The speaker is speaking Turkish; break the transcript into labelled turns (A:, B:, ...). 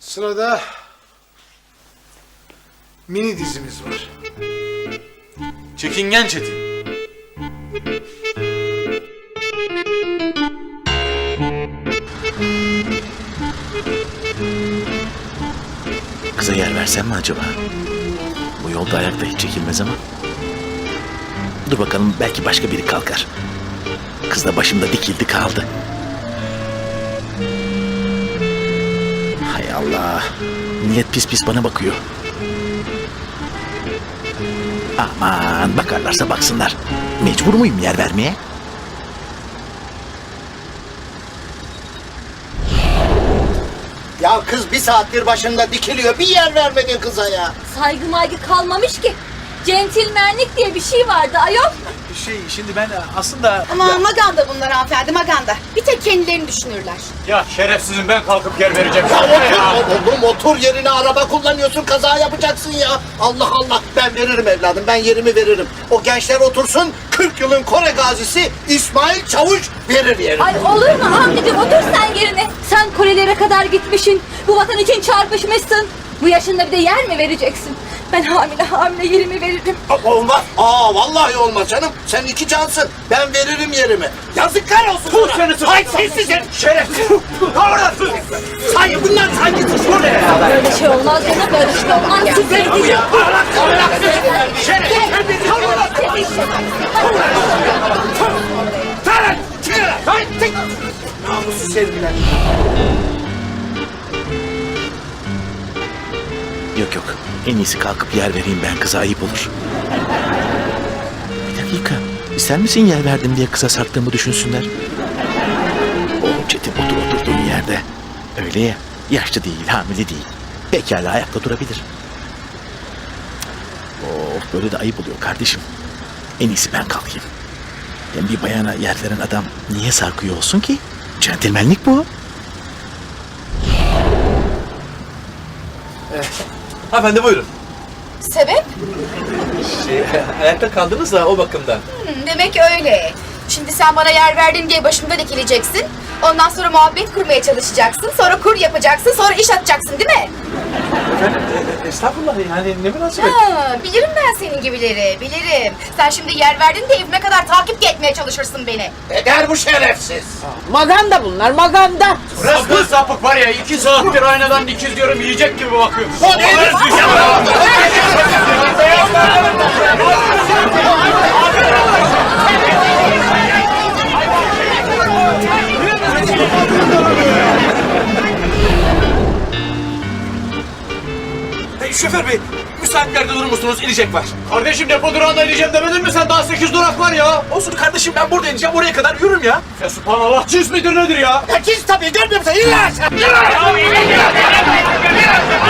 A: Sırada mini dizimiz var.
B: Çekingen Çetin.
C: Kıza yer versem mi acaba? Bu yolda ayakta hiç çekilmez ama. Dur bakalım, belki başka biri kalkar. Kız da başımda dikildi kaldı. Hay Allah. Millet pis pis bana bakıyor. Aman, bakarlarsa baksınlar. Mecbur muyum yer vermeye?
D: Ya kız bir saattir başında dikiliyor. Bir yer vermedin kıza ya.
E: Saygı maygı kalmamış ki. Centilmenlik diye bir şey vardı ayol.
C: Şimdi ben aslında...
F: Ama maganda bunlar hanımefendi, maganda. Bir tek kendilerini düşünürler.
B: Ya şerefsizim, ben kalkıp yer vereceğim.
D: Ya otur, otur yerine, araba kullanıyorsun, kaza yapacaksın ya. Allah Allah, ben veririm evladım, ben yerimi veririm. O gençler otursun, 40 yılın Kore gazisi İsmail Çavuş verir yerini.
E: Ay olur mu Hamdi'cim, otur sen yerine. Sen Korelere kadar gitmişsin. Bu vatan için çarpışmışsın. Bu yaşında bir de yer mi vereceksin? Ben hamile yerimi veririm.
D: Olmaz. Vallahi olmaz canım. Sen iki cansın. Ben veririm yerimi. Yazıklar olsun
B: Tut
D: sana.
B: seni, tut.
D: Ay sessiz et. Şerefsiz. Kavratsın. Sanki bunlar saygısız.
E: Böyle şey olmaz canım, böyle şey olmaz. Siz vereceğim.
D: Namussuz sevgiler.
C: Yok. En iyisi kalkıp yer vereyim ben, kıza ayıp olur. Bir dakika. Sen misin yer verdim diye kıza sarktığımı düşünsünler? Oğlum Çetin, otur oturduğun yerde. Öyle ya. Yaşlı değil, hamile değil. Pekala ayakta durabilir. Oh, böyle de ayıp oluyor kardeşim. En iyisi ben kalkayım. Hem bir bayana yer veren adam niye sarkıyor olsun ki? Centilmenlik bu.
G: Hanımefendi buyurun.
F: Sebep?
G: Ayakta kaldınız da o bakımdan.
F: Demek öyle. Şimdi sen bana yer verdin diye başımda dikileceksin. Ondan sonra muhabbet kurmaya çalışacaksın. Sonra kur yapacaksın. Sonra iş atacaksın değil mi?
G: Efendim estağfurullah, yani ne münasebet.
F: Bilirim ben senin gibileri. Bilirim. Sen şimdi yer verdin de evime kadar takip etmeye çalışırsın beni.
D: Eder bu şerefsiz.
H: Maganda bunlar, maganda.
B: Sapık sapık var ya, 2 saattir aynadan dikiz diyorum, yiyecek gibi bakıyor.
G: Şoför bey, müsait bir yerde durur musunuz? İnecek var.
B: Kardeşim, depo durağında ineceğim demedin mi sen? Daha 8 durak var ya.
G: Olsun kardeşim, ben burada ineceğim, oraya kadar yürürüm ya.
B: Ya subhanallah, cins midir nedir ya?
D: Herkes tabii, görmüyor musun? İlla aşağı.